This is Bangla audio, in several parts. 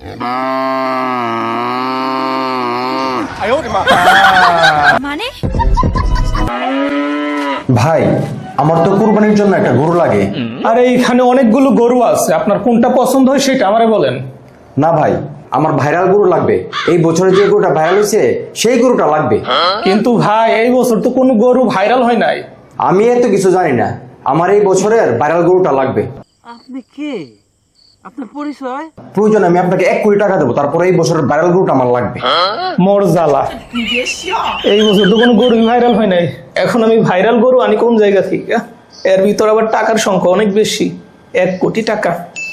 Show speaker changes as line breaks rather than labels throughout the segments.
মানে
ভাই আমার তো কুরবানির জন্য একটা গরু লাগে।
আরে এইখানে অনেকগুলো গরু আছে, আপনার কোনটা পছন্দ হয় সেটা আমারে বলেন।
না ভাই, আমার ভাইরাল গরু লাগবে। এই বছরে যে গরুটা ভাইরাল হয়েছে সেই গরুটা লাগবে।
কিন্তু ভাই এই বছর তো কোনো গরু ভাইরাল হয় নাই।
আমি এত কিছু জানি না, আমার এই বছরের ভাইরাল গরুটা লাগবে।
আপনি কে? আপনার পরিচয়?
প্রয়োজন আমি আপনাকে 1 কোটি টাকা দেবো, তারপরে এই বছরের ভাইরাল গরুটা আমার লাগবে।
মোর জ্বালা, এই বছর তো কোনো গরু ভাইরাল হয় নাই। এখন আমি ভাইরাল গরু আনি কোন জায়গা থেকে? এর ভিতর আবার টাকার সংখ্যা অনেক বেশি, 1 কোটি টাকা।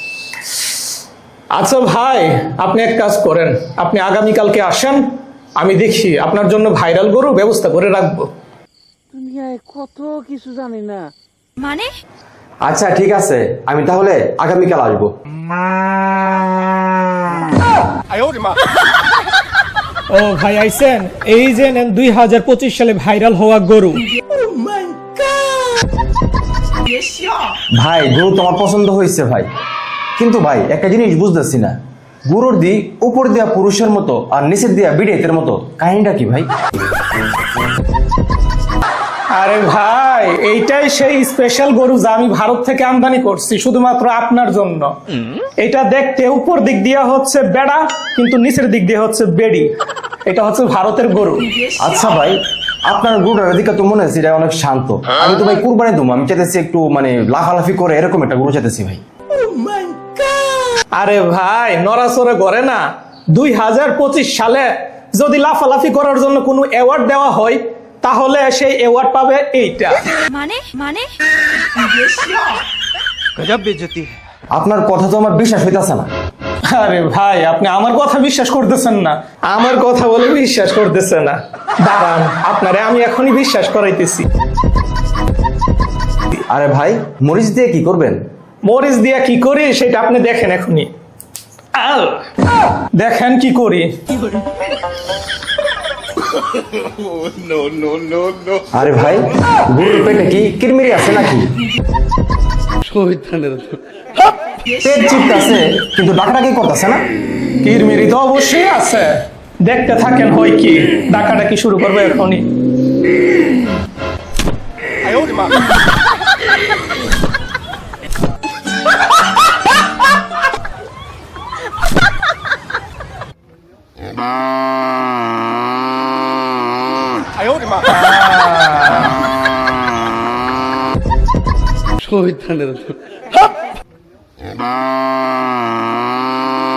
আচ্ছা ভাই, আপনি এক কাজ করেন, আপনি আগামীকালকে আসেন, আমি দেখি আপনার জন্য ভাইরাল গরু ব্যবস্থা করে রাখবো।
দুনিয়ায় কত কিছু জানি না।
মানে
আচ্ছা ঠিক আছে, আমি তাহলে আগামীকাল আসবো।
ও ভাই আইছেন, এই যে নেন 2025 সালে ভাইরাল হওয়া গরু।
ভাই গরু তো আমার পছন্দ হয়েছে ভাই, কিন্তু ভাই একটা জিনিস বুঝতেছি না, গরুর দি উপর দিয়া পুরুষের মতো আর নিচের দিয়া বিড়েতের মতো, কাহিনীটা কি ভাই?
আরে ভাই, এইটাই সেই স্পেশাল গরু যা আমি ভারত থেকে আমদানি করছি শুধুমাত্র আপনার জন্য। এটা দেখতে উপর দিক দিয়ে হচ্ছে বেড়া, কিন্তু নিচের দিক দিয়ে হচ্ছে বেড়ি। এটা হচ্ছে ভারতের গরু।
আচ্ছা ভাই, আপনার গরুটার দিকে তো মনে হচ্ছে এটা অনেক শান্ত। আমি তো ভাই কুরবানি দেবো, আমি চাইতেছি একটু মানে লাফালাফি করে এরকম একটা গরু চাইতেছি ভাই।
আরে ভাই, নড়াচড়ে করে না। 2025 সালে যদি লাফালাফি করার জন্য কোনো অ্যাওয়ার্ড দেওয়া হয়, তাহলে সেই অ্যাওয়ার্ড পাবে এইটা।
মানে মানে
আপনার কথা তো আমার বিশ্বাস হইতাছে না।
আরে ভাই, আপনি আমার কথা বিশ্বাস করতেছেন না, আমার কথা বলে বিশ্বাস করতেছে না। দাঁড়ান, আপনারে আমি এখনই বিশ্বাস করাইতেছি।
আরে ভাই, মরিচ দিয়ে কি করবেন?
মরিচ দিয়া কি করি সেটা আপনি দেখেন এখনই। দেখেন কি করি।
আরে ভাই, গরুর পেটে কি কিরমিরি আছে নাকি? পেট চিপতাছে কিন্তু ডাকাডাকি করতেছে না।
কিরমিরি তো অবশ্যই আছে, দেখতে থাকেন হয় কি। ডাকাডাকি শুরু করবে এখনই।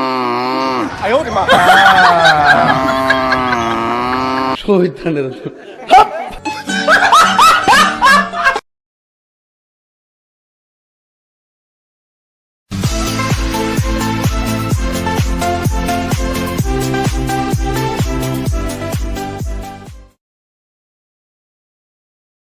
শহীদ